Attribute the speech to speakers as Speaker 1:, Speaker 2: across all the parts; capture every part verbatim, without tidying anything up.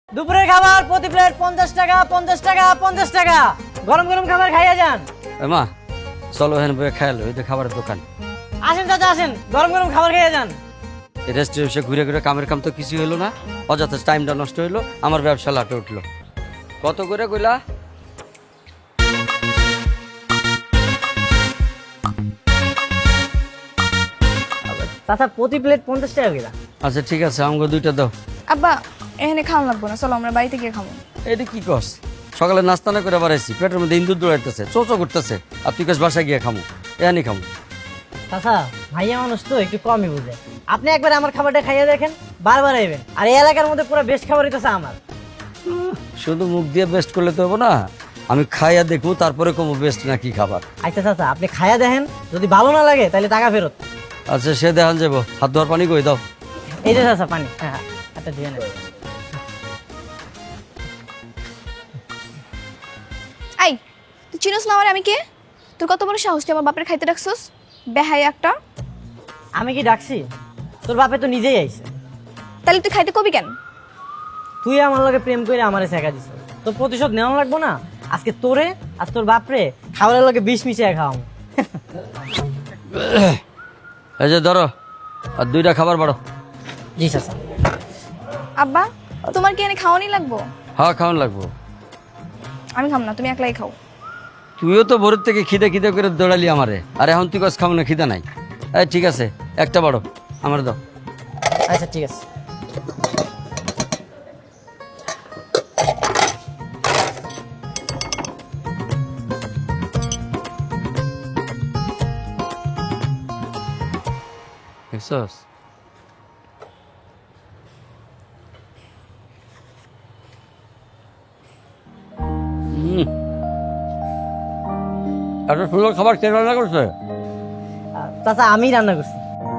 Speaker 1: দুপুরের খাবার প্রতি প্লেট পঞ্চাশ টাকা পঞ্চাশ টাকা পঞ্চাশ টাকা। গরম গরম খাবার খাইয়া যান।
Speaker 2: মা চলো এখানে বসে খাইলো, এই তো খাবারের দোকান।
Speaker 1: আসেন চাচা আসেন, গরম গরম খাবার খাইয়া যান।
Speaker 2: এই রেস্টুরেন্টে ঘুরে ঘুরে কামের কাম তো কিছু হলো না, অযথা টাইমটা নষ্ট হইলো, আমার ব্যবসা লাটে উঠলো। কত করে কইলা?
Speaker 1: চাচা প্রতি প্লেট পঞ্চাশ টাকা করে।
Speaker 2: আচ্ছা ঠিক আছে, আমাকে দুইটা দাও।
Speaker 3: আব্বা এখানে খাওয়া লাগবো না, চলো আমরা বাড়িতে গিয়ে খাবো।
Speaker 2: এটা কি কস? সকালে নাস্তা না করে বাড়াইছি, পেটের মধ্যে ইন্দুর দৌড়াইতেছে, চোচো করতেছে, আর তুই কস বাসায় গিয়ে খামু? এখানে খামু।
Speaker 1: চাচা ভাইয়া মানুষ তো একটু কমই বুঝে। আপনি একবার আমার খাবারটা খাইয়া দেখেন, বারবার আইবেন। আর এই এলাকার মধ্যে পুরো বেস্ট খাবার হইতেছে আমার।
Speaker 2: শুধু মুখ দিয়ে বেস্ট করলে তো হবো না, আমি খাইয়া দেখবো তারপরে কমু বেস্ট না কি খাবার।
Speaker 1: আচ্ছা চাচা আপনি খাইয়া দেখেন, যদি ভালো না লাগে তাহলে টাকা ফেরত।
Speaker 2: আচ্ছা সে দেখান যাবো, হাত ধোয়ার পানি কই দাও।
Speaker 1: এই যে চাচা পানি, হ্যাঁ হ্যাঁ একটা দিয়ে নেন।
Speaker 3: আই তুই চিনোস না আমার, আমি কে? তোর কত বড় সাহস তুই আমার বাপের খাইতে রাখছস? বেহাই একটা।
Speaker 1: আমি কি ডাকছি? তোর বাপে তো নিজেই আইছে।
Speaker 3: তাহলে তুই খাইতে কবি কেন?
Speaker 1: তুই আমার লগে প্রেম করে আমারে শেখা দিছ, তোর প্রতিশোধ নেওয়া লাগবো না? আজকে তোরে আর তোর বাপরে খাবারের লগে বিষ মিশিয়ে খাওয়াম।
Speaker 2: এই যে ধরো, আর দুইটা খাবার বাড়ো।
Speaker 1: জি চাচা।
Speaker 3: আব্বা তোমার কি এনে খাওয়ানি লাগবো?
Speaker 2: হ্যাঁ খাওয়ান লাগবো।
Speaker 3: আমি খাম না, তুমি একলাই খাও।
Speaker 2: তুইও তো ভোরের থেকে খিদে খিদে করে দৌড়ালি আমারে, আর এখন তুই কাজ খাবো না, খিদে নাই। এই ঠিক আছে, একটা বাড়ো, আমার দাও।
Speaker 1: আচ্ছা ঠিক আছে।
Speaker 2: দেখছস? হুম, এত সুন্দর খাবার কে রান্না করছে?
Speaker 1: আহ, চাচা আমি রান্না করছি।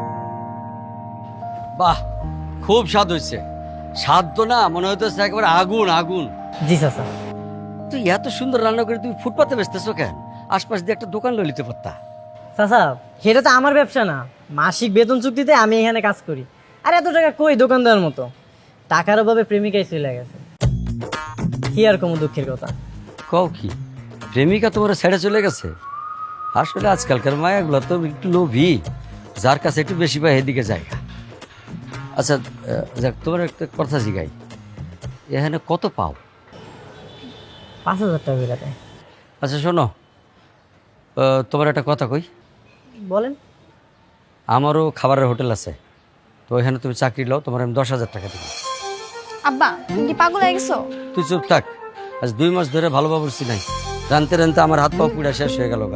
Speaker 2: বাহ, খুব স্বাদ হয়েছে। স্বাদ তো না, মনে হইতেছে একেবারে আগুন আগুন।
Speaker 1: জি চাচা।
Speaker 2: তুই এত সুন্দর রান্না করে তুই ফুটপাতে বেচতেছো কেন? আশপাশ দিয়ে একটা দোকান লইতে পারতা।
Speaker 1: চাচা সেটা তো আমার ব্যবসা না, মাসিক বেতন চুক্তিতে আমি এখানে কাজ করি। আর এত টাকা কই দোকান দেওয়ার মতো? টাকার অভাবে প্রেমিকাই চলে গেছে। কি আর কোনো দুঃখের কথা।
Speaker 2: কও কি, প্রেমিকা তোমার ছেড়ে চলে গেছে? আসলে আজকালকার মায়াগুলো তো একটু লোভী, যার কাছে একটু বেশি পায় এদিকে যায়। আচ্ছা আহ, যাক, তোমার একটা কথা জিগাই, এখানে কত পাও?
Speaker 1: পাঁচ হাজার টাকা করে দেয়।
Speaker 2: আচ্ছা শোনো, আহ, তোমার একটা কথা কই।
Speaker 1: বলেন।
Speaker 2: আমারও খাবারের হোটেল আছে, তো এখানে তুমি চাকরি লও, তোমার আমি দশ হাজার টাকা দেবো।
Speaker 3: আব্বা তুমি কি পাগল হয়ে গেছো?
Speaker 2: তুই চুপ থাক, আজ দুই মাস ধরে ভালো বাবুরছি নাই, রানতে রানতে আমার হাত পা পুড়া শেষ হয়ে গেল গা।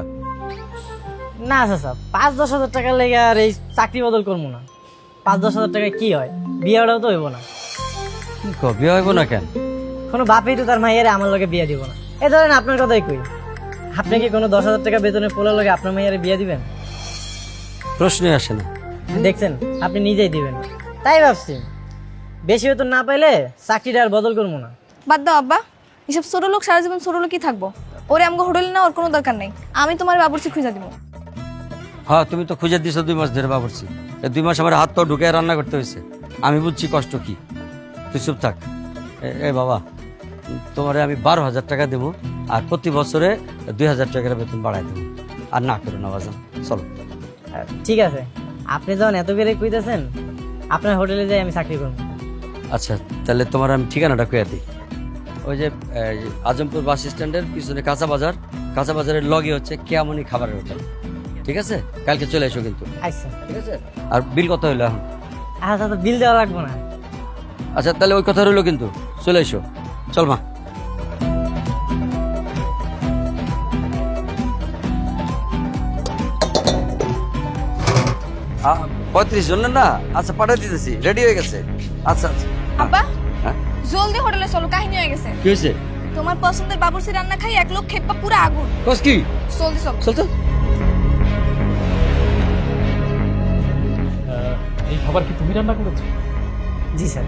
Speaker 1: না চাচা, পাঁচ দশ হাজার টাকা লেগে আর এই চাকরি বদল করবো না। পাঁচ দশ হাজার টাকায় কি হয়? বিয়েটাও তো হইব না।
Speaker 2: কি কো, বিয়ে হইব না কেন?
Speaker 1: কোনো বাপেই তো তার মাইয়ারে আমার লগে বিয়ে দিব না। এই ধরেন আপনার কথাই কই, আপনি কি কোনো দশ হাজার টাকা বেতনে পোলার লগে আপনার মাইয়ারে বিয়ে দিবেন?
Speaker 2: প্রশ্নই আসে না।
Speaker 1: দেখছেন, আপনি নিজেই দিবেন না। তাই ভাবছি বেশি বেতন না পাইলে চাকরিটা আর বদল করবো না।
Speaker 3: বাদ দাও আব্বা, এসব ছোট লোক সারা জীবন ছোট লোকই থাকবো। ওরে আমাকে হোটেলে না, ওর কোনো দরকার নেই। আমি তোমার বাবুর্চি খুঁজে দিব।
Speaker 2: হ্যাঁ তুমি তো খুঁজে দিছো দুই মাস ধরে বাবুরছি, এই দুই মাস আমার হাত পা ঢুকে রান্না করতে হয়েছে। আমি বুঝছি কষ্ট কি, তুই চুপ থাক। এ- এ বাবা, তোমারে আমি বারো হাজার টাকা দেবো, আর প্রতি বছরে দুই হাজার টাকার বেতন বাড়াই দেবো। আর না করো না বাজান, চলো।
Speaker 1: আহ, ঠিক আছে, আপনি যখন এত করে কইতেছেন, আপনার হোটেলে যাই আমি চাকরি করবো।
Speaker 2: আচ্ছা তাহলে তোমার আমি ঠিকানাটা কয়ে দিই। ওই যে এই, আজমপুর বাস স্ট্যান্ডের পিছনে কাঁচা বাজার, কাঁচা বাজারের লগে হচ্ছে কেয়ামনি খাবারের হোটেল। ঠিক আছে, কালকে চলে এসো কিন্তু।
Speaker 1: আচ্ছা
Speaker 2: ঠিক আছে, আর বিল কত হইলো এখন?
Speaker 1: আচ্ছা তো বিল দেওয়া লাগবো না।
Speaker 2: আচ্ছা তাহলে ওই কথা রইলো কিন্তু, চলে এসো। চল মা। আ- পঁয়ত্রিশ জন না? আচ্ছা পাঠিয়ে দিতেছি, রেডি হয়ে গেছে। আচ্ছা আচ্ছা।
Speaker 3: আব্বা
Speaker 2: হ্যাঁ
Speaker 3: জলদি হোটেলে চলো, কাহিনী হয়ে গেছে।
Speaker 2: কি হয়েছে?
Speaker 3: তোমার পছন্দের বাবুর্চি রান্না খাই এক লোক খেপা পুরো আগুন।
Speaker 2: কস কি?
Speaker 3: জলদি চলো।
Speaker 2: চল চল।
Speaker 4: এই খাবার কি তুমি রান্না করেছো?
Speaker 1: জি স্যার।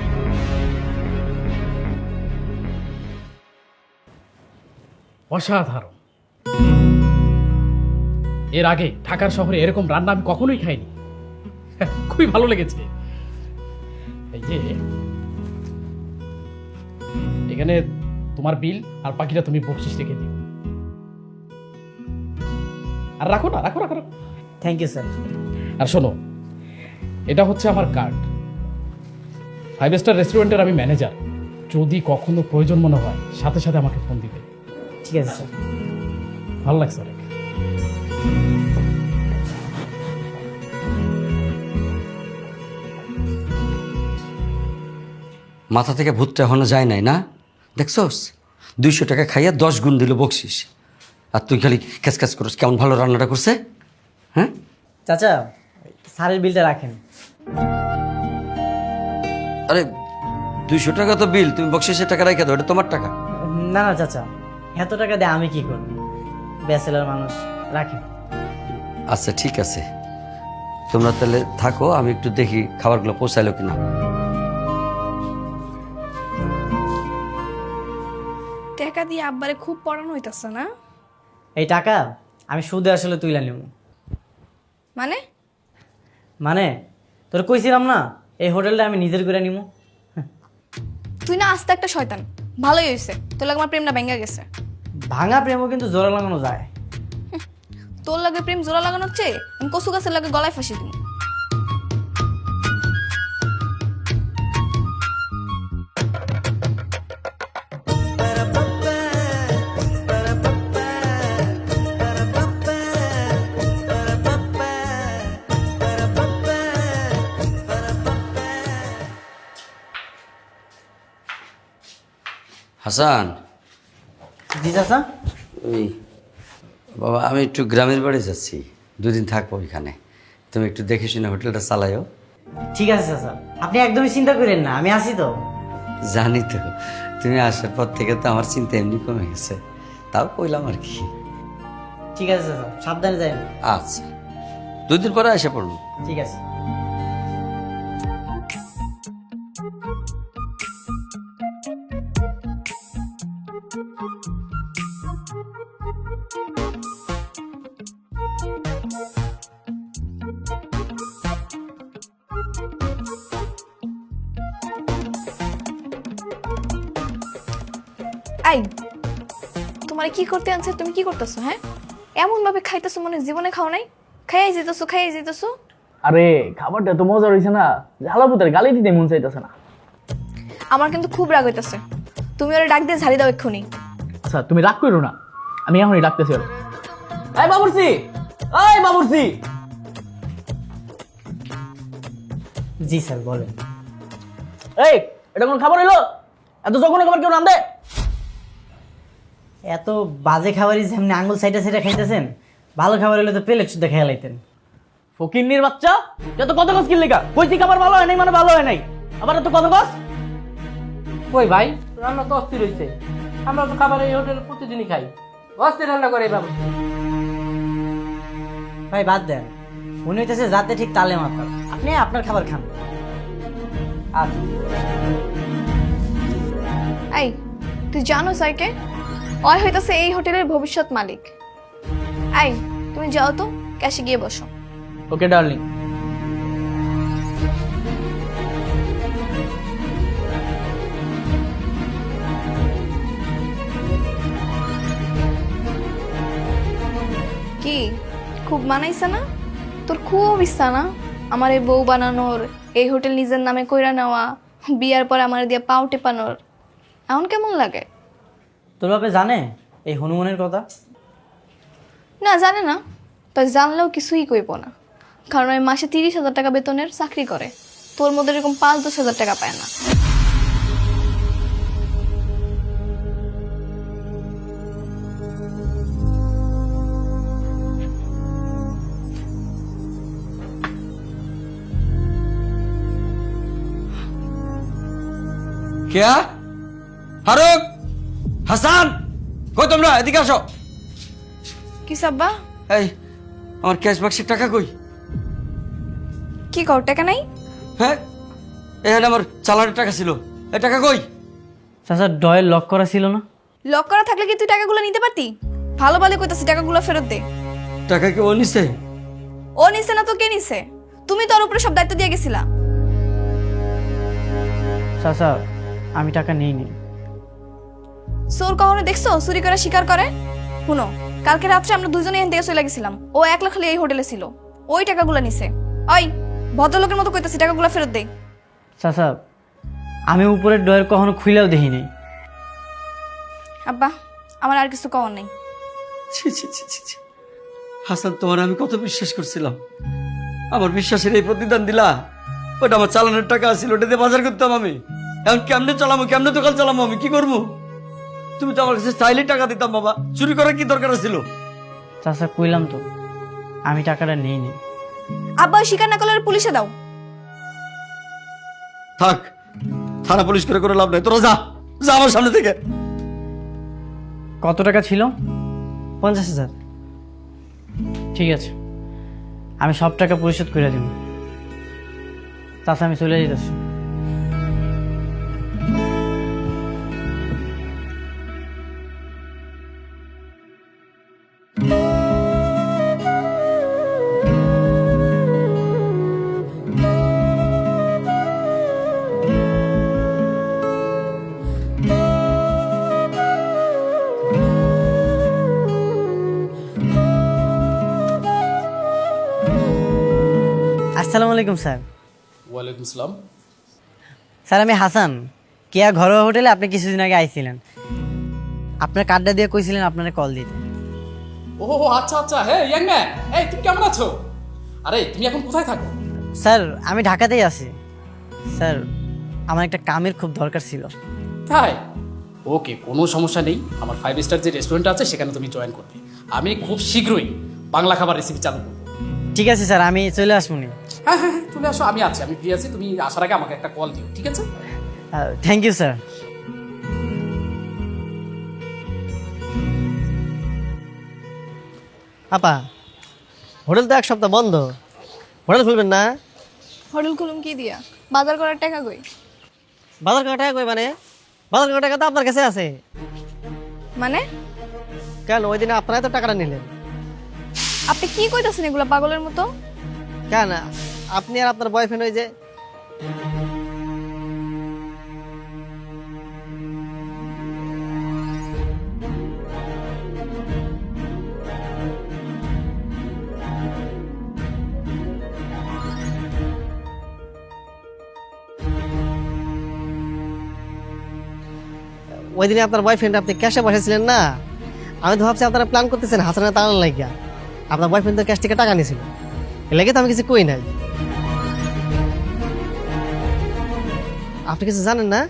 Speaker 4: অসাধারণ। এর আগে ঢাকার শহরে এরকম রান্না আমি কখনোই খাইনি। খুবই ভালো লেগেছে। এই যে এখানে তোমার বিল আর বাকিটা তুমি বকশিস রেখে দিও। আর রাখো না, রাখো রাখো রাখো।
Speaker 1: Thank you sir.
Speaker 4: আর শোনো, এটা হচ্ছে আমার কার্ড। ফাইভ স্টার রেস্টুরেন্টের আমি ম্যানেজার। যদি কখনো প্রয়োজন মনে হয় সাথে সাথে আমাকে ফোন দিবে।
Speaker 1: ঠিক আছে স্যার।
Speaker 4: ভালো লাগছে অনেক।
Speaker 2: মাথা থেকে ভূতটা এখনো যায় নাই না? দেখছস, দুইশো টাকা খাইয়া দশ গুণ দিল বকশিস, আর তুই খালি ক্যাচ ক্যাচ করিস। কেমন ভালো রান্নাটা করছে, হ্যাঁ?
Speaker 1: চাচা, স্যারের বিলটা রাখেন।
Speaker 2: আরে দুইশো টাকা তো বিল, তুমি বকশিসের টাকা রাখা দাও, এটা তোমার টাকা।
Speaker 1: না না চাচা, এত টাকা দিয়ে আমি কি করব? ব্যাচেলার মানুষ, রাখেন।
Speaker 2: আচ্ছা ঠিক আছে, তোমরা তাহলে থাকো, আমি একটু দেখি খাবারগুলো পৌঁছাইলো কিনা।
Speaker 3: টাকা দিয়ে আব্বারে খুব পড়ানো হইতাছে না?
Speaker 1: এই টাকা আমি সুদে আসলে তুইলা নিব।
Speaker 3: মানে
Speaker 1: মানে তোর কইছিলাম না, এই হোটেলটা আমি নিজের করে নিব।
Speaker 3: তুই না আস্তে একটা শয়তান। ভালোই হয়েছে, তোর লাগে আমার প্রেমটা ভেঙে গেছে।
Speaker 1: ভাঙা প্রেমও কিন্তু জোড়া লাগানো যায়।
Speaker 3: তোর লাগে প্রেম জোড়া লাগানোর চেয়ে আমি কচু গাছের লাগে গলায় ফাঁসি দিব।
Speaker 2: হাসান,
Speaker 1: জি চাচা।
Speaker 2: ওই বাবা, আমি একটু গ্রামের বাড়ি যাচ্ছি, দুদিন থাকবো ওইখানে। তুমি একটু দেখে শুনে হোটেলটা চালাইও।
Speaker 1: ঠিক আছে চাচা, আপনি একদমই চিন্তা করেন না, আমি আসি তো।
Speaker 2: জানি তো, তুমি আসার পর থেকে তো আমার চিন্তা এমনি কমে গেছে, তাও কইলাম আর কি।
Speaker 1: ঠিক আছে চাচা, সাবধানে যাই।
Speaker 2: আচ্ছা, দুদিন পরে এসে পড়বো।
Speaker 1: ঠিক আছে।
Speaker 3: আই, তোমার কি করতে আনছে? তুমি কি করতেছো? হ্যাঁ, এমন ভাবে খাইতেছো মনে হয় জীবনে খাও নাই। খাইয়াই যেতেছো, খাইয়াই যেতেছো।
Speaker 5: আরে খাবারটা তো মজা হয়েছে না, ঝালাপুতের গালি দিতে মন চাইতেছে না।
Speaker 3: আমার কিন্তু খুব রাগ হইতেছে। তুমি ওরে ডাক দিয়ে ঝাড়ি দাও এক্ষুনি।
Speaker 5: আচ্ছা তুমি রাগ করো না, আমি এখনই ডাকতেছি ওরে। এই বাবুর্চি, এই বাবুর্চি।
Speaker 1: জি স্যার, বলেন।
Speaker 5: এই এটা কোন খাবার হইলো? এত যখন খাবার কেউ নাম দে।
Speaker 1: এত বাজে খাবারই যেমনি আঙ্গুল সাইডে সাইডে খাইতেছেন, ভালো খাবার হলে তো প্লেট শুদ্ধ খেয়ে লাইতেন।
Speaker 5: ফকিন্নির বাচ্চা, যত কত কস কি লেখা? কইছি খাবার ভালো হয় নাই মানে ভালো হয় নাই, আবার এত কত কস।
Speaker 6: কই ভাই, রান্না তো অস্থির হয়েছে। আমরা তো খাবার এই হোটেলে প্রতিদিনই খাই, অস্থির রান্না করে বাবু।
Speaker 1: ভাই বাদ দেন, উনি হইতেছে যাতে ঠিক তালে মাথা। আপনি আপনার খাবার খান।
Speaker 6: আচ্ছা,
Speaker 3: এই তুই জানো স্যারকে? ওই হইতাছে এই হোটেলের ভবিষ্যৎ মালিক। এই তুমি যাও তো, ক্যাশে গিয়ে বসো।
Speaker 5: Okay darling.
Speaker 3: কি খুব মানাইছে না? তোর খুব ইচ্ছা না আমার এই বউ বানানোর, এই হোটেল নিজের নামে কইরা নেওয়া, বিয়ার পর আমার দিয়ে পাও টেপানোর। এখন কেমন লাগে?
Speaker 1: তোর বাপে জানে এই হনুমানের কথা?
Speaker 3: না জানে না, তাই জানলেও কিছুই কইব না, কারণ ওই মাসে তিরিশ হাজার টাকা বেতনের চাকরি করে। তোর মধ্যে এরকম পাঁচ দশ হাজার টাকা পায় না।
Speaker 2: কেয়া, ফারুক, হাসান, কই তোমরা? এদিকে আসো।
Speaker 3: কি সাব্বা?
Speaker 2: এই আমার ক্যাশ বাক্সের টাকা কই?
Speaker 3: কি কর, টাকা নাই?
Speaker 2: হ্যাঁ, এখানে আমার চালানের টাকা ছিল, এই টাকা কই?
Speaker 1: চাচা ডয়ের লক করা ছিল না?
Speaker 3: লক করা থাকলে কি তুই টাকাগুলো নিতে পারতি? ভালো ভালো কইতাছি, টাকাগুলো ফেরত দে।
Speaker 2: টাকা কি ও নিছে?
Speaker 3: ও নিছে না তো কে নিছে? তুমি তোর উপরে সব দায়িত্ব দিয়ে গেছিলা।
Speaker 1: চাচা আমি টাকা নেই নি।
Speaker 3: চোর কখনো দেখছো চুরি করে শিকার করে? শুনো, কালকে রাত্রে আমরা দুজনে এখান থেকে চলে গেছিলাম, ও একলা খালি এই হোটেলে ছিল, ওই টাকাগুলো নিছে। ওই ভদ্রলোকের মতো কইতাছি, টাকাগুলো ফেরত দে।
Speaker 1: চাচা আমি উপরের ডয়ের কখনো খুইলেও দেখি নাই।
Speaker 3: আব্বা, আমার আর কিছু কওয়ার নেই।
Speaker 2: ছি ছি ছি ছি ছি। হাসান, তোমার আমি কত বিশ্বাস করছিলাম, আমার বিশ্বাসের এই প্রতিদান দিলা। ওটা আমার চালানোর টাকা ছিল, ওটা দিয়ে বাজার করতাম আমি। এখন কেমনে চালামো, কেমনে দোকান চালামো, আমি কি করবো? তুমি তো আমার কাছে চাইলে টাকা দিতাম বাবা, চুরি করার কি দরকার ছিল?
Speaker 1: চাচা কইলাম তো আমি টাকাটা নেই নি।
Speaker 3: আব্বা, ওই স্বীকার না করলে পুলিশে দাও।
Speaker 2: থাক, থানা পুলিশ করে করে লাভ নাই, তোরা যা যা আমার সামনে থেকে।
Speaker 1: কত টাকা ছিল? পঞ্চাশ হাজার। ঠিক আছে, আমি সব টাকা পরিশোধ করে দিব। চাচা আমি চলে যেতেছি। আসসালামু আলাইকুম স্যার।
Speaker 4: ওয়ালাইকুম আসসালাম।
Speaker 1: স্যার আমি হাসান, কেয়া ঘরোয়া হোটেলে আপনি কিছুদিন আগে আইছিলেন। আপনার কার্ডটা দিয়ে কইছিলেন আপনার কল দিতে।
Speaker 4: ও আচ্ছা আচ্ছা, হ্যাঁ ইয়াং ম্যান, এই তুমি কেমন আছো? আরে তুমি এখন কোথায় থাকো?
Speaker 1: স্যার আমি ঢাকাতেই আছি। স্যার আমার একটা কামের খুব দরকার ছিল।
Speaker 4: তাই? ওকে, কোনো সমস্যা নেই। আমার ফাইভ স্টার যে রেস্টুরেন্ট আছে সেখানে তুমি জয়েন করবে। আমি খুব শীঘ্রই বাংলা খাবার রেসিপি চালু করবো।
Speaker 1: ঠিক আছে স্যার, আমি চলে আসবো নি।
Speaker 4: হ্যাঁ হ্যাঁ হ্যাঁ, চলে আসো, আমি আছি, আমি ফ্রি আছি। তুমি আসার আগে আমাকে একটা কল দিও, ঠিক আছে?
Speaker 1: Thank you sir.
Speaker 7: আপা, হোটেল তো এক সপ্তাহ বন্ধ, হোটেল খুলবেন না?
Speaker 3: হোটেল খুলুম কি দিয়া? বাজার করার টাকা কই?
Speaker 7: বাজার করার টাকা কই মানে? বাজার করার টাকা তো আপনার কাছে আছে।
Speaker 3: মানে
Speaker 7: কেন, ওই দিনে আপনারাই তো টাকাটা নিলেন।
Speaker 3: আপনি কি কইতাছেন এগুলা পাগলের মতো?
Speaker 7: কেন, আপনি আর আপনার বয়ফ্রেন্ড ওই যে ওই দিনে আপনার বয়ফ্রেন্ড আপনি ক্যাশে বসেছিলেন না? আমি তো ভাবছি আপনারা প্ল্যান করতেছেন হাসানের তাড়ানোর লাগিয়া। আপনার বয়ফ্রেন্ড তো ক্যাশ থেকে টাকা নিয়েছিল, এর লাগে তো আমি কিছু কই নাই। আপনি কিছু জানেন না?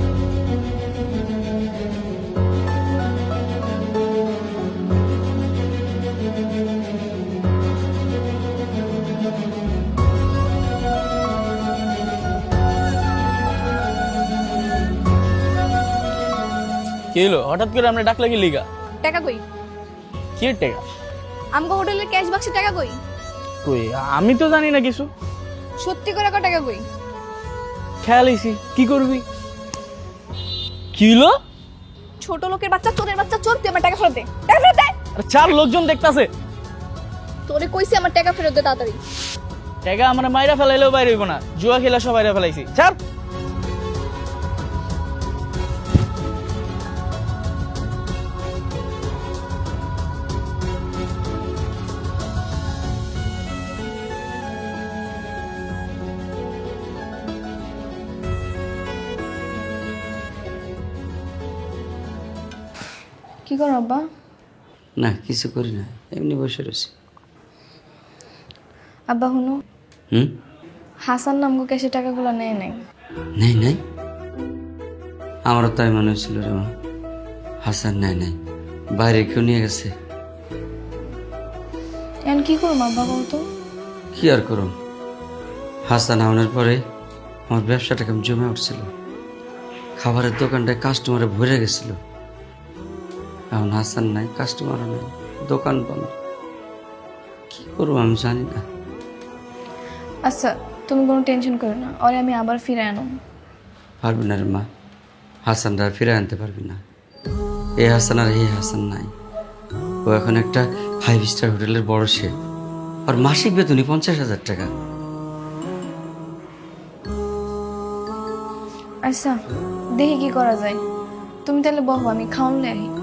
Speaker 5: কি হলো হঠাৎ করে আমরা ডাকলে কি লিগা?
Speaker 3: টাকা কই?
Speaker 5: কি টাকা?
Speaker 3: আমগো হোটেলের ক্যাশ বাক্সে টাকা কই?
Speaker 5: কই আমি তো জানি না কিছু।
Speaker 3: সত্যি করে কয় টাকা কই?
Speaker 5: খেয়াল হইছি, কি করবি? কি হলো?
Speaker 3: ছোট লোকের বাচ্চা, চোরের বাচ্চা, চোর, তুই আমার টাকা ফেরত দে। টাকা ফেরত দে।
Speaker 5: আরে চার লোকজন দেখতাছে।
Speaker 3: তোরে কইছি আমার টাকা ফেরত দে তাড়াতাড়ি।
Speaker 5: টাকা আমরা মাইরা ফেলাইলেও বাইরে হইব না, জুয়া খেলা সব বাইরে ফেলাইছি। চার
Speaker 3: কি করো আব্বা?
Speaker 2: না কিছু করি না, এমনি বসে রয়েছি।
Speaker 3: আব্বা হুনো,
Speaker 2: হুম?
Speaker 3: হাসান নামগো ক্যাশে টাকাগুলো নেয় নাই।
Speaker 2: নেই নাই, আমারও তাই মনে হচ্ছিল রে মা। হাসান নেয় নাই, বাইরে কেউ নিয়ে গেছে।
Speaker 3: এখন কি করবো আব্বা বলতো?
Speaker 2: কি আর করুন, হাসান আনার পরে আমার ব্যবসাটা কেমন জমে উঠছিল, খাবারের দোকানটায় কাস্টমারে ভরে গেছিল। এখন হাসান নাই, কাস্টমারও নাই, দোকান বন্ধ। কি করবো আমি জানি না।
Speaker 3: আচ্ছা তুমি কোনো টেনশন করো না, ওরে আমি আবার ফিরে আনো।
Speaker 2: পারবি না রে মা, হাসানরা ফিরে আনতে পারবি না। এ হাসান আর এই হাসান নাই। ও এখন একটা ফাইভ স্টার হোটেলের বড় শেফ, আর মাসিক বেতনই পঞ্চাশ হাজার টাকা।
Speaker 3: আচ্ছা দেখি কি করা যায়। তুমি তাহলে বহো, আমি খাওয়ান লে আহি।